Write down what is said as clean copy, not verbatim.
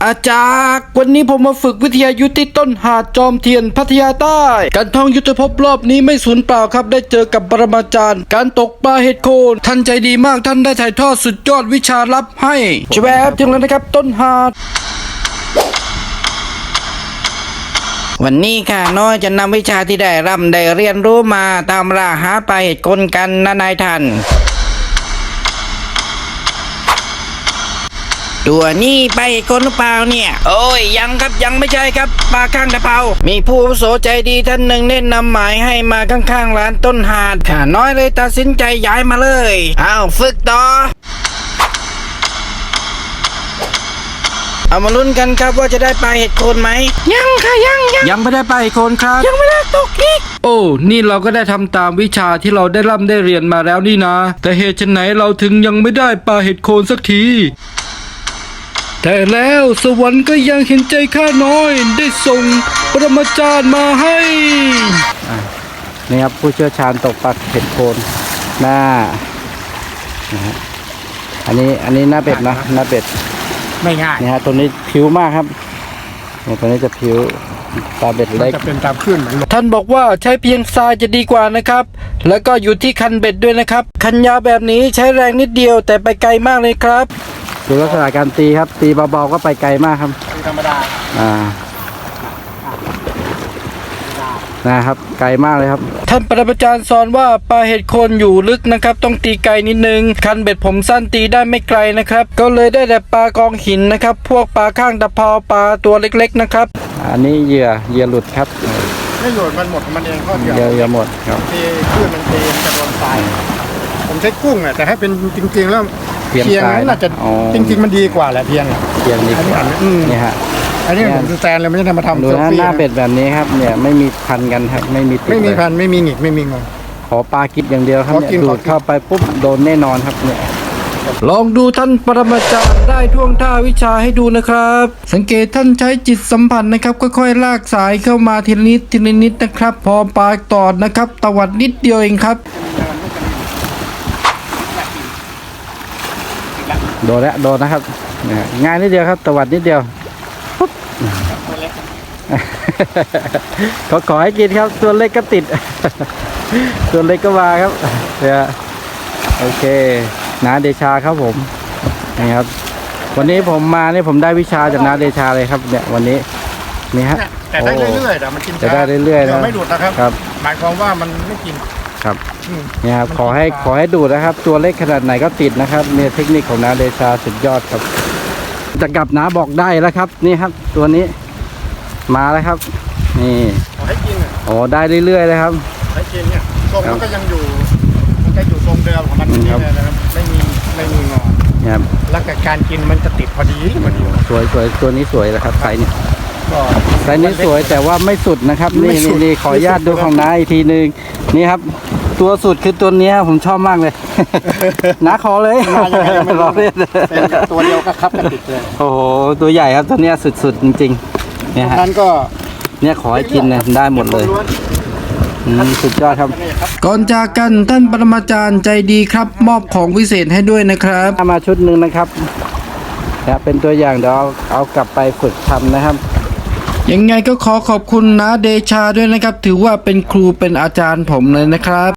อาจารย์วันนี้ผมมาฝึกวิทยายุทธที่ต้นหาดจอมเทียนพัทยาใต้การท่องยุทธภพรอบนี้ไม่สูญเปล่าครับได้เจอกับปรมาจารย์การตกปลาเห็ดโคนท่านใจดีมากท่านได้ถ่ายทอดสุดยอดวิชาลับให้แวบถึงแล้วนะครับต้นหาดวันนี้ข้าน้อยจะนำวิชาที่ได้ร่ำได้เรียนรู้มาตามล่าหาปลาเห็ดโคนกันนะนายท่านตัวนี้ปลาเห็ดโคนหรือเปล่าเนี่ยโอ้ยยังครับยังไม่ใช่ครับปลาข้างตะเภามีผู้อาวุโสใจดีท่านหนึ่งแนะนำหมายให้มาข้างๆร้านต้นหาดข้าน้อยเลยตัดสินใจย้ายมาเลยอ้าวฝึกต่อเอามาลุ้นกันครับว่าจะได้ปลาเห็ดโคนไหมยังค่ะยังไม่ได้ปลาเห็ดโคนครับยังไม่ได้ตกอีกโอ้นี่เราก็ได้ทำตามวิชาที่เราได้ร่ำได้เรียนมาแล้วนี่นะแต่เหตุไฉนเราถึงยังไม่ได้ปลาเห็ดโคนสักทีแต่แล้วสวรรค์ก็ยังเห็นใจข้าน้อยได้ส่งปรมาจารย์มาให้นี่ครับผู้เชี่ยวชาญตกปลาเห็ดโคนหน้านะฮะอันนี้หน้าเป็ดนะหน้าเป็ดไม่ง่ายนี่ฮะตัวนี้ผิวมากครับเนี่ยตัวนี้จะผิวปลาเบ็ดเล็กจะเป็นตามขึ้นท่านบอกว่าใช้เพียงทรายจะดีกว่านะครับแล้วก็อยู่ที่คันเบ็ดด้วยนะครับคันยาวแบบนี้ใช้แรงนิดเดียวแต่ไปไกลมากเลยครับดูลักษณะการตีครับตีเบาๆก็ไปไกลมากครับธรรมดานะครับไกลมากเลยครับท่านปรมาจารย์สอนว่าปลาเห็ดโคนอยู่ลึกนะครับต้องตีไกลนิดนึงคันเบ็ดผมสั้นตีได้ไม่ไกลนะครับก็เลยได้แต่ปลากองหินนะครับพวกปลาข้างตะเภาปลาตัวเล็กๆนะครับอันนี้เหยื่อหลุดครับไม่หลุดมันหมดมันเองข้อเดียวเหยื่อหมดครับตีขึ้นมันตีจะโดนทรายผมใช้กุ้งอ่ะแต่ให้เป็นจริงๆแล้วเพียงน่าจะจริงๆมันดีกว่าแหละเพียงดีกว่านี่ฮะอันนี้ผมแซนเลยไม่ได้มาทำดูหน้าเป็ดแบบนี้ครับเนี่ยไม่มีพันกันครับไม่มีพันไม่มีหงิกไม่มีงอขอปลากิดอย่างเดียวครับเนี่ยดูดเข้าไปปุ๊บโดนแน่นอนครับเนี่ยลองดูท่านปรมาจารย์ได้ท่วงท่าวิชาให้ดูนะครับสังเกตท่านใช้จิตสัมผัสนะครับค่อยๆลากสายเข้ามาทีละนิดนะครับพอปลาตอดนะครับตวัดนิดเดียวเองครับโดนแล้วโดนนะครับง่ายนิดเดียวครับตวัดนิดเดียวขอให้กินครับตัวเล็กก็ติดตัวเล็กก็มาครับเนี่ยโอเคน้าเดชาครับผมนี่ครับวันนี้ผมมาเนี่ยผมได้วิชาจากน้าเดชาเลยครับเนี่ยวันนี้นี่ฮะแต่ได้เรื่อยๆแต่มันกินจะได้เรื่อยๆนะไม่ดูดนะครับหมายความว่ามันไม่กินครับนี่ครับขอให้ดูดนะครับตัวเล็กขนาดไหนก็ติดนะครับเนี่ยเทคนิคของน้าเดชาสุดยอดครับจะกลับน้าบอกได้แล้วครับนี่ครับตัวนี้มาแล้วครับนี่ขอให้กินอ๋อได้เรื่อยๆเลยครับให้กินเนี่ยทรงมันก็ยังอยู่มันก็อยู่ทรงเดิมของมันนี่นะครับไม่มีงอครับแล้วการกินมันจะติดพอดีสวยตัวนี้สวยแล้วครับไซส์นี้สวยแต่ว่าไม่สุดนะครับนี่ขออนุญาตดูของน้าอีกทีนึงนี่ครับตัวสุดคือตัวนี้ผมชอบมากเลยน้าขอเลยรอเล่นตัวเดียวก็ครับติดเลยโอ้โหตัวใหญ่ครับตัวนี้สุดๆจริงๆเนี่ยฮะนั้นก็เนี่ยขอให้กินเนี่ยได้หมดเลยสุดยอดครับก่อนจากกันท่านปรมาจารย์ใจดีครับมอบของวิเศษให้ด้วยนะครับมาชุดหนึ่งนะครับเป็นตัวอย่างเดี๋ยวเอากลับไปฝึกทำนะครับยังไงก็ขอขอบคุณนะเดชาด้วยนะครับถือว่าเป็นครูเป็นอาจารย์ผมเลยนะครับ